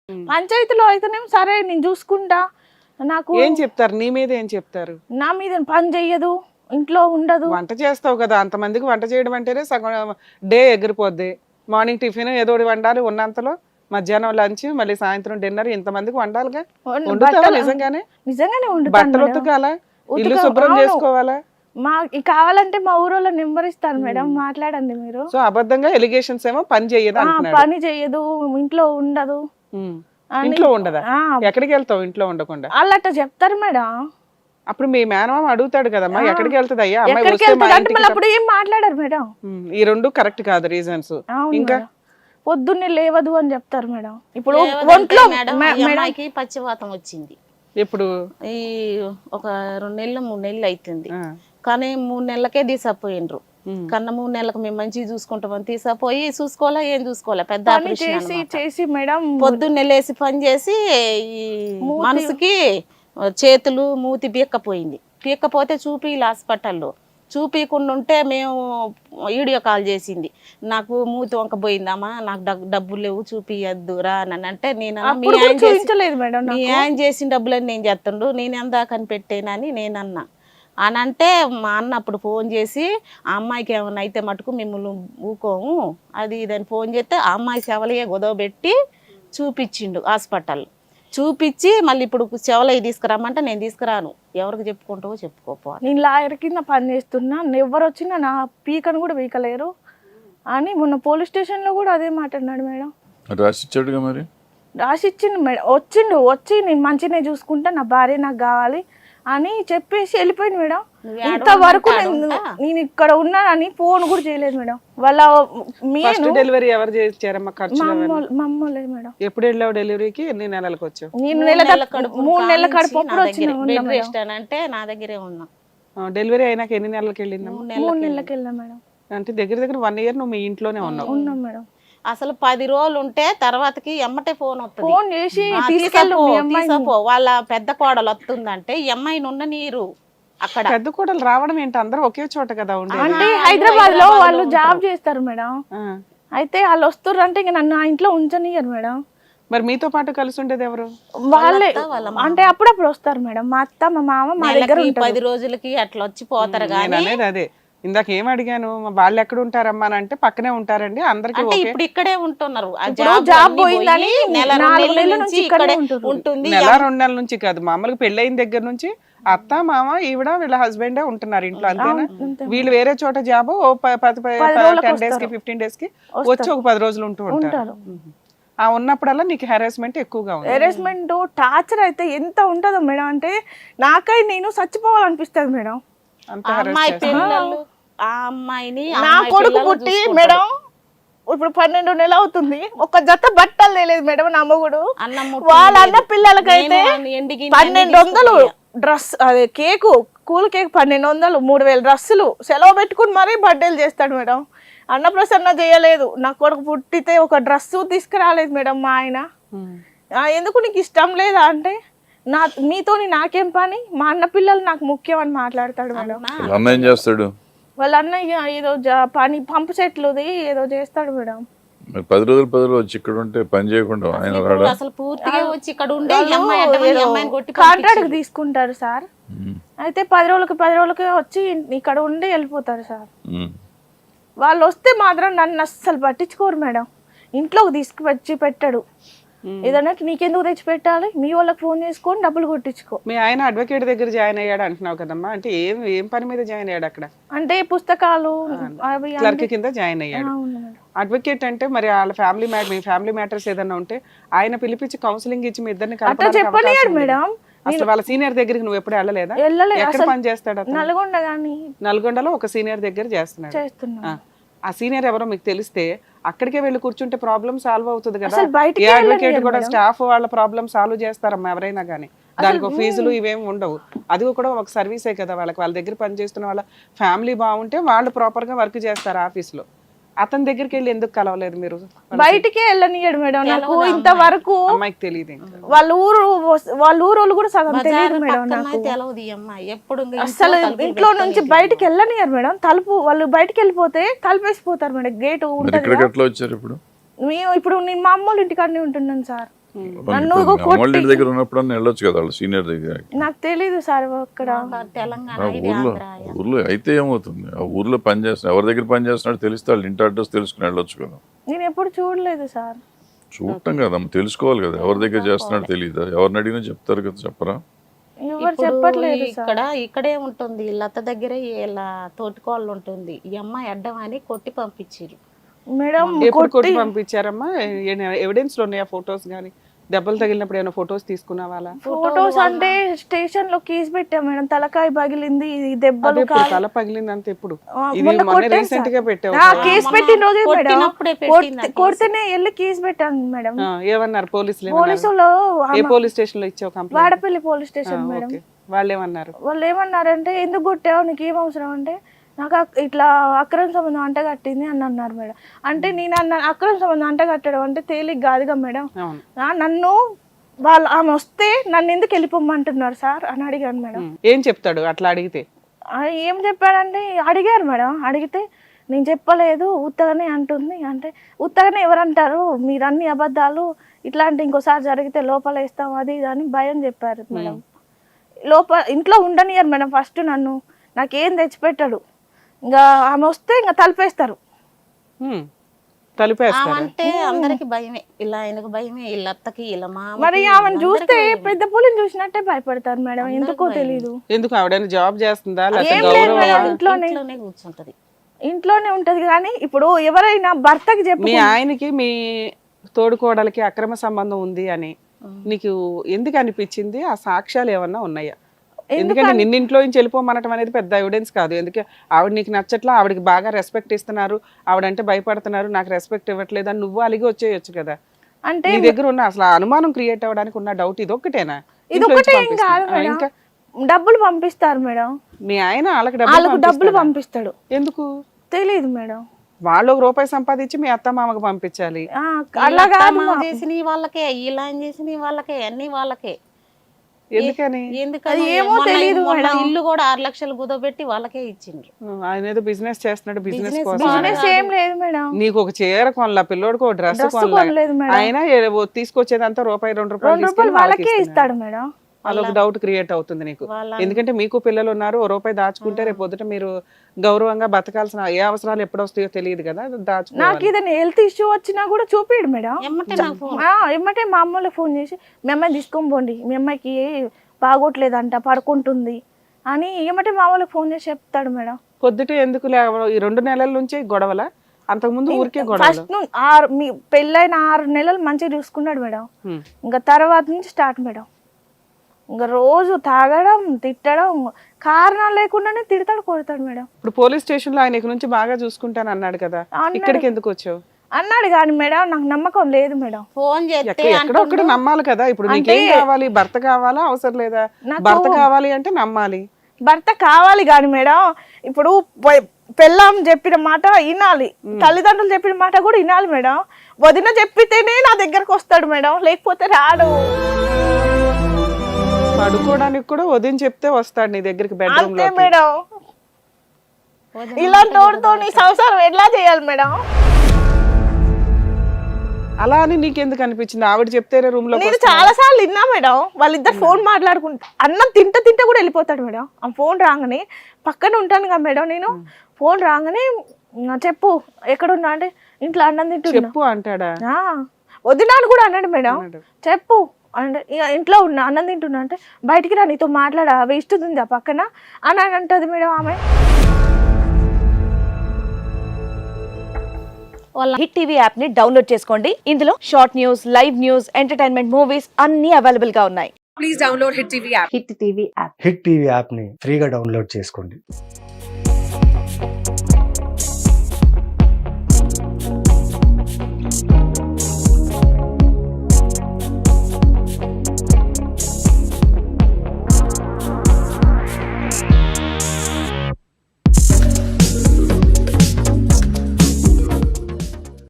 పంచాయతీలో అయితేనేమో సరే నేను చూసుకుంటా, నాకు ఏం చెప్తారు నీ మీద? ఏం చెప్తారు? నా మీద పని చెయ్యదు, ఇంట్లో ఉండదు. వంట చేస్తావు కదా, అంతమందికి వంట చేయడం అంటేనే సగం డే ఎగిరిపోద్ది. మార్నింగ్ టిఫిన్ ఏదో ఒకటి వండాలి ఉన్నంతలో, మధ్యాహ్నం లంచ్, మళ్ళీ సాయంత్రం డిన్నర్, ఇంతమందికి వండాలిగా. వండుతావా నిజంగానే? నిజంగానే బట్టలు ఉతకాలా, ఇల్లు శుభ్రం చేసుకోవాలా? మా కావాలంటే మా ఊరోళ్ళ నెంబర్ ఇస్తాను మేడం, మాట్లాడండి మీరు. సో అబద్ధంగా ఎలిగేషన్స్ ఏమో పని చెయ్యదు అంటున్నాడు. పని చెయ్యదు, ఇంట్లో ఉండదు. ఇంట్లో ఉండదా? ఎక్కడికి వెళ్తావు ఇంట్లో ఉండకుండా? వాళ్ళట చెప్తారు మేడం. అప్పుడు మీ మేనమామ అడుగుతాడు కదమ్మా, ఎక్కడికి వెళ్తుంది అయ్యా అమ్మాయి ఎక్కడికి వస్తే మా వెళ్తుంది అంటే ఇంటికి మళ్ళీ అప్పుడు ఏం మాట్లాడారు మేడం. ఈ రెండు కరెక్ట్ కాదు రీజన్స్. ఇంకా పొద్దున్నే లేవదు అని చెప్తారు మేడం. ఇప్పుడు లేవదంటే ఒంట్లో మేడం, ఈ అమ్మాయికి పచ్చివాతం వచ్చింది. ఇప్పుడు ఈ ఒక 2 నెలలు 3 నెలలు అవుతుంది. కానీ 3 నెలలకే తీసపోయిండ్రు. కన్నా 3 నెలలకు మేము మంచిగా చూసుకుంటామని తీసపోయి చూసుకోవాలా, ఏం చూసుకోవాలా, పెద్ద ఆపరేషన్ అన్నమాట. చేసి మేడం పొద్దున్నే లేసి పని చేసి ఈ మనసుకి చేతులు మూతి పీక్కపోయింది. పీక్కపోతే చూపిలా హాస్పిటల్లో. చూపించకుండా ఉంటే మేము వీడియో కాల్ చేసింది, నాకు మూతి వంక పోయిందమ్మా, నాకు డబ్బులు లేవు చూపియద్దు రా అని అంటే, నేను మీ ఆయన చేసిన డబ్బులని నేను చేస్తుండు, నేను ఎంత కనిపెట్టేనని నేను అన్నా. అని అంటే మా అన్న అప్పుడు ఫోన్ చేసి, ఆ అమ్మాయికి ఏమైనా అయితే మటుకు మిమ్మల్ని ఊకోము అది ఇదని ఫోన్ చేస్తే, ఆ అమ్మాయి చెవలయ్యే గొదవబెట్టి చూపించిండు హాస్పిటల్. చూపించి మళ్ళీ ఇప్పుడు చెవలయ్య తీసుకురామంటే నేను తీసుకురాను, ఎవరికి చెప్పుకుంటావో చెప్పుకోపోవాలి. నేను లాయర్ కింద పని చేస్తున్నా, ఎవరు వచ్చినా నా పీకను కూడా పీకలేరు అని మొన్న పోలీస్ స్టేషన్లో కూడా అదే మాట్లాడినాడు మేడం. రాసిచ్చాడుగా మరి. రాసిచ్చిండు మేడం, వచ్చి నేను మంచిగానే చూసుకుంటా, నా భార్య నాకు కావాలి అని చెప్పేసి వెళ్ళిపోయింది మేడం. ఇంతవరకు నేను ఇక్కడ ఉన్నానని ఫోన్ కూడా చేయలేదు మేడం. వాళ్ళ డెలివరీ ఎవరు చేశారమ్మా? ఖర్చు మమ్మల్ని మేడం. ఎప్పుడు వెళ్ళావు డెలివరీకి? ఎన్ని నెలలకు వచ్చావు? నేను 3 నెలల కడుపు అంటే నా దగ్గరే ఉన్నా. డెలివరీ అయినాక ఎన్ని నెలలకు వెళ్ళిందా? 3 నెలలకు వెళ్ళా మేడం. అంటే దగ్గర దగ్గర 1 ఇయర్ నువ్వు మీ ఇంట్లోనే ఉన్నావు. ఉన్నాం మేడం. అసలు 10 రోజులు ఉంటే తర్వాతకి ఎమ్మటే ఫోన్ వస్తుంది, ఫోన్ చేసి తీసుకోపో వాళ్ళ పెద్ద కోడలు వస్తుందంటే ఈ అమ్మాయిని ఉన్న నీరు అక్కడ. పెద్ద కోడలు రావడం ఏంటి? అందరూ ఒకే చోట కదా ఉండే. అంటే హైదరాబాద్ లో వాళ్ళు జాబ్ చేస్తారు మేడం. అయితే వాళ్ళు వస్తారు అంటే ఇంక నన్ను ఆ ఇంట్లో ఉంచనియరు మేడం. మరి మీతో పాటు కలిసి ఉండేది ఎవరు? వాళ్ళే. అంటే అప్పుడప్పుడు వస్తారు మేడం, మా అత్త మా మామ మా దగ్గర 10 రోజులకి అట్లా వచ్చి పోతారు. కానీ అదే ఇందాక ఏం అడిగాను, వాళ్ళు ఎక్కడ ఉంటారమ్మా అని అంటే పక్కనే ఉంటారండి అందరికి. ఇప్పుడు ఇక్కడే ఉంటున్నారు. జాబ్ పోయిందని నెల 2 నెలల నుంచి ఇక్కడే ఉంటుంది. నెల 2 నెలల నుంచి కాదు, మామూలుగా పెళ్ళయిన దగ్గర నుంచి అత్త మామ ఈవిడ వీళ్ళ హస్బెండే ఉంటున్నారు ఇంట్లో, అంతేనా? వీళ్ళు వేరే చోట జాబ్ 10 days కి 15 days కి వచ్చి ఒక 10 రోజులు ఉంటూ ఉంటారు. ఆ ఉన్నప్పుడల్లా నీకు హెరాస్మెంట్ ఎక్కువగా ఉంది. హెరాస్మెంట్ టార్చర్ అయితే ఎంత ఉంటుందో మేడం అంటే నాకై నేను చచ్చిపోవాలనిపిస్తుంది మేడం. అమ్మాయి పిల్లలు, ఆ అమ్మాయిని నా కొడుకు పుట్టి మేడం ఇప్పుడు 12 నెలలు అవుతుంది, ఒక జత బట్టలు లేదు మేడం. నా మొగుడు వాళ్ళ అన్న పిల్లలకైతే 1200 డ్రెస్, అదే కేకు, కూల్ కేక్ 1200, 3000 డ్రెస్సులు సెలవు పెట్టుకుని మరీ బర్త్డేలు చేస్తాడు మేడం. అన్నప్రసన్న చేయలేదు, నా కొడుకు పుట్టితే ఒక డ్రెస్సు తీసుకురాలేదు మేడం మా ఆయన. ఎందుకు నీకు ఇష్టం లేదా అంటే, మీతోని నాకేం పని, మా అన్న పిల్లలు నాకు ముఖ్యం అని మాట్లాడతాడు మేడం. అన్న ఏం చేస్తాడు? వాళ్ళ అన్నయ్య ఏదో పని పంపు చెట్లుది ఏదో చేస్తాడు మేడం. 10 రోజులు వచ్చి ఇక్కడ ఉంటే పని చేయకుండా ఆయన రాడా? అసలు పూర్తిగా వచ్చి ఇక్కడ ఉండే కాంట్రాక్ట్ తీసుకుంటారు సార్. అయితే 10 రోజులకి వచ్చి ఇక్కడ ఉండి వెళ్ళిపోతారు సార్. వాళ్ళు వస్తే మాత్రం నన్ను అస్సలు పట్టించుకోరు మేడం. ఇంట్లోకి తీసుకువచ్చి పెట్టాడు. ఏదన్నా నీకెందుకు తెచ్చి పెట్టాలి, మీ వాళ్ళకి ఫోన్ చేసుకొని డబ్బులు కొట్టించుకో. మీ ఆయన అడ్వకేట్ దగ్గర జాయిన్ అయ్యాడు అంటున్నావు కదమ్మా, అంటే ఏం పని మీద జాయిన్ అయ్యాడు అక్కడ? అంటే పుస్తకాలు క్లర్క్ కింద జాయిన్ అయ్యాడు. అడ్వకేట్ అంటే మరి వాళ్ళ ఫ్యామిలీ మీ ఫ్యామిలీ మ్యాటర్స్ ఏదన్నా ఉంటే ఆయన పిలిపించి కౌన్సిలింగ్ ఇచ్చి మీ ఇద్దరిని చెప్పనియాడు మేడం. అసలు వాళ్ళ సీనియర్ దగ్గరికి నువ్వు ఎప్పుడు వెళ్ళలేదా? ఎక్కడ పని చేస్తాడు? నల్గొండలో ఒక సీనియర్ దగ్గర చేస్తున్నాడు. ఆ సీనియర్ ఎవరో మీకు తెలిస్తే అక్కడికే వెళ్ళి కూర్చుంటే ప్రాబ్లం సాల్వ్ అవుతుంది కదా. ఏ అడ్వకేట్ కూడా స్టాఫ్ వాళ్ళ ప్రాబ్లం సాల్వ్ చేస్తారమ్మా ఎవరైనా కానీ, దానికి ఫీజులు ఇవేమి ఉండవు. అది కూడా ఒక సర్వీసే కదా వాళ్ళకి. వాళ్ళ దగ్గర పనిచేస్తున్న వాళ్ళ ఫ్యామిలీ బాగుంటే వాళ్ళు ప్రాపర్ గా వర్క్ చేస్తారు ఆఫీస్ లో. అతని దగ్గరికి వెళ్ళి ఎందుకు కలవలేదు మీరు? బయటికే వెళ్ళనియడు మేడం. నాకు ఇంతవరకు అమ్మాయికి తెలియదు, వాళ్ళ ఊరు కూడా సగం తెలియదు మేడం నాకు. అసలు ఇంట్లో నుంచి బయటికి వెళ్ళనియరు మేడం. వాళ్ళు బయటికి వెళ్ళిపోతే తలుపేసిపోతారు మేడం. గేట్ ఉంటుంది. ఇప్పుడు మేము ఇప్పుడు నేను మా అమ్మోళ్ళ ఇంటికాడనే ఉంటున్నాను సార్. అమ్మోళ్ళ ఇంటి దగ్గర ఉన్నప్పుడు వెళ్ళొచ్చు కదా వాళ్ళు సీనియర్ దగ్గర. నాకు తెలీదు సార్ అక్కడ తెలంగాణ ఆ ఊర్లో అయితే ఏమవుతుంది, ఆ ఊర్లో పని చేస్తున్నా ఎవరి దగ్గర పని చేస్తున్నాడు తెలిస్తే వాళ్ళు ఇంటి అడ్రస్ తెలుసుకుని వెళ్ళొచ్చు కదా. నేను ఎప్పుడు చూడలేదు సార్. చూడటం కదమ్మా, తెలుసుకోవాలి కదా ఎవరి దగ్గర చేస్తున్నాడు తెలియదా, ఎవరిని అడిగినా చెప్తారు కదా, చెప్పరా? ఎవరు చెప్పట్లేదు ఇక్కడే ఉంటుంది లత దగ్గరే ఇలా తోటికోళ్ళు ఉంటుంది. ఈ అమ్మాయి అడ్డం అని కొట్టి పంపించారు మేడం. ఎప్పుడు కొట్టి పంపించారమ్మా? ఎవిడెన్స్ లో ఉన్నాయా ఫొటోస్ గానీ? దెబ్బలు తగిలినప్పుడు ఏమైనా ఫొటోస్ తీసుకున్నావా? ఫొటోస్ అంటే స్టేషన్ లో కేసు పెట్టాం మేడం, తలకాయ పగిలింది, దెబ్బలు, తల పగిలింది అంతే. ఎప్పుడు ఇది రీసెంట్ గా పెట్టావు? కేసు పెట్టిన రోజే మేడం, కొడితేనే వెళ్ళి కేసు పెట్టాను మేడం. ఏమన్నారు పోలీసులు? పోలీసులు ఏ పోలీస్ స్టేషన్ లో ఇచ్చావు complaint? Vadapalli police station madam. వాళ్ళు ఏమన్నారు? వాళ్ళు ఏమన్నారంటే ఎందుకు కొట్టావు, నీకు ఏం అవసరం అంటే నాకు ఇట్లా అక్రమ సంబంధం అంట కట్టింది అని అన్నారు మేడం. అంటే నేను అన్న అక్రమ సంబంధం అంట కట్టడం అంటే తేలిక కాదుగా మేడం. నన్ను వాళ్ళు ఆమె వస్తే నన్ను ఎందుకు వెళ్ళిపోమంటున్నారు సార్ అని అడిగాను మేడం. ఏం చెప్తాడు అట్లా అడిగితే? ఏం చెప్పాడంటే అడిగారు మేడం, అడిగితే నేను చెప్పలేదు ఉత్తగానే అంటుంది. అంటే ఉత్తగానే ఎవరంటారు, మీరు అన్ని అబద్ధాలు, ఇట్లాంటి ఇంకోసారి జరిగితే లోపల వేస్తాం అది ఇది అని భయం చెప్పారు మేడం. ఇంట్లో ఉండనియరు మేడం. ఫస్ట్ నన్ను నాకేం తెచ్చిపెట్టాడు, ఇంకా ఆమె వస్తే ఇంకా తలిపేస్తారు. అంటే అందరికి భయమే, ఇలా ఆయనకు భయమే, ఇలా అత్తకి ఇలా మరి ఆమెను చూస్తే పెద్ద పులిని చూసినట్టే భయపడతారు మేడం, ఎందుకో తెలీదు. ఎందుకు ఆవిడ జాబ్ చేస్తుందా? ఇంట్లోనే కూర్చుంటది, ఇంట్లోనే ఉంటది. కానీ ఇప్పుడు ఎవరైనా భర్తకి చెప్పి మీ ఆయనకి మీ తోడుకోడలకి అక్రమ సంబంధం ఉంది అని నీకు ఎందుకు అనిపించింది? ఆ సాక్ష్యాలు ఏమన్నా ఉన్నాయా? ఎందుకంటే నిన్నింట్లో నుంచి వెళ్ళిపోమనటం అనేది పెద్ద ఎవిడెన్స్ కాదు. ఎందుకంటే ఆవిడ నీకు నచ్చట్లా, ఆవిడకి బాగా రెస్పెక్ట్ ఇస్తున్నారు, ఆవిడంటే భయపడుతున్నారు, నాకు రెస్పెక్ట్ ఇవ్వట్లేదు అని నువ్వు అలిగి వచ్చేయచ్చు కదా. అంటే నీ దగ్గర ఉన్న అసలు అనుమానం క్రియేట్ అవ్వడానికి ఉన్న డౌట్ ఇదొక్కటేనా? ఇంకా డబ్బులు పంపిస్తారు మేడం. మీ ఆయన వాళ్ళకి డబ్బులు పంపిస్తాడు. ఎందుకు తెలియదు మేడం. వాళ్ళు ₹1 సంపాదించి మీ అత్త మామకు పంపించాలి. అలాగా చేసిన వాళ్ళకే, ఇలా చేసిన వాళ్ళకే, అన్ని వాళ్ళకే. ఎందుకని? ఏమో తెలియదు. ఇల్లు కూడా 6 లక్షలు కుదోబెట్టి వాళ్ళకే ఇచ్చిండ్రు. ఆయన ఏదో బిజినెస్ చేస్తున్నాడు, బిజినెస్ కోసం. ఏం లేదు మేడం. నీకు ఒక చీర కొనలా, పిల్లోడికి ఒక డ్రెస్ కొనలేదు. ఆయన తీసుకొచ్చేదంతా ₹1-2 వాళ్ళకే ఇస్తాడు మేడం. అదొక డౌట్ క్రియేట్ అవుతుంది నీకు. ఎందుకంటే మీకు పిల్లలు ఉన్నారు, ₹1 దాచుకుంటే రేపు పొద్దుట మీరు గౌరవంగా బతకాల్సిన ఏ అవసరాలు ఎప్పుడు వస్తాయో తెలియదు కదా. నాకు ఏదైనా హెల్త్ ఇష్యూ వచ్చినా కూడా చూపిడు మేడం. ఎమ్మటే మా అమ్మలో ఫోన్ చేసి మీ అమ్మాయి తీసుకొని పోండి, మీ అమ్మాయికి బాగోట్లేదంట, పడుకుంటుంది అని ఏమంటే మా అమ్మలో ఫోన్ చేసి చెప్తాడు మేడం. పొద్దుట ఎందుకు ఈ 2 నెలల నుంచి గొడవల? అంతకుముందు ఊరికే గొడవ? మీ పెళ్ళైన 6 నెలలు మంచిగా చూసుకున్నాడు మేడం. ఇంకా తర్వాత నుంచి స్టార్ట్ మేడం. ఇంకా రోజు తాగడం, తిట్టడం, కారణాలు లేకుండానే తిడతాడు, కొడతాడు మేడం. ఇప్పుడు పోలీస్ స్టేషన్ లో ఆయన నుంచి బాగా చూసుకుంటాను అన్నాడు కదా, ఇక్కడికి ఎందుకు వచ్చావు? అన్నాడు కానీ మేడం నాకు నమ్మకం లేదు మేడం. ఫోన్ చేస్తే ఎక్కడొక్కడ నమ్మాలి కదా. ఇప్పుడు నీకేం కావాలి? భర్త కావాలా? అవసరం లేదా? భర్త కావాలి అంటే నమ్మాలి. భర్త కావాలి కానీ మేడం, ఇప్పుడు పెళ్ళాం చెప్పిన మాట వినాలి, తల్లిదండ్రులు చెప్పిన మాట కూడా వినాలి మేడం. వదిన చెప్పితేనే నా దగ్గరకు వస్తాడు మేడం, లేకపోతే రాడు. పడుకోవడానికి కూడా వదిన చెప్తే వస్తాడు నీ దగ్గరికి బెడ్రూమ్ లో మేడం. ఇలాంటి వాడితో నీ సంసారం ఎట్లా చేయాలి మేడం? అలా అని నీకెందుకు అనిపించింది? ఆవిడ చెప్తేనే రూమ్ లో. నేను చాలా సార్లు విన్నా మేడం, వాళ్ళిద్దరు ఫోన్ మాట్లాడుకుంటా, అన్నం తింటా కూడా వెళ్ళిపోతాడు మేడం. ఆ ఫోన్ రాగానే పక్కన ఉంటాను కదా మేడం, నేను ఫోన్ రాగానే చెప్పు ఎక్కడున్నా అంటే ఇంట్లో అన్నం తింటున్నా చెప్పు అంటాడా? వదినాను కూడా అన్నాడు మేడం, చెప్పు అంటే ఇంట్లో ఉన్నా అన్నం తింటున్నా అంటే బయటికి రా, నీతో మాట్లాడా, వేస్ట్ ఉంది ఆ పక్కన అని అంటది మేడం ఆమె. వాళ్ళ హిట్ టీవీ యాప్ ని డౌన్లోడ్ చేసుకోండి. ఇందులో short news, live news, entertainment movies అన్ని అవైలబుల్ గా ఉన్నాయి. Please download hit TV app. Hit TV app ని ఫ్రీగా డౌన్లోడ్ చేసుకోండి.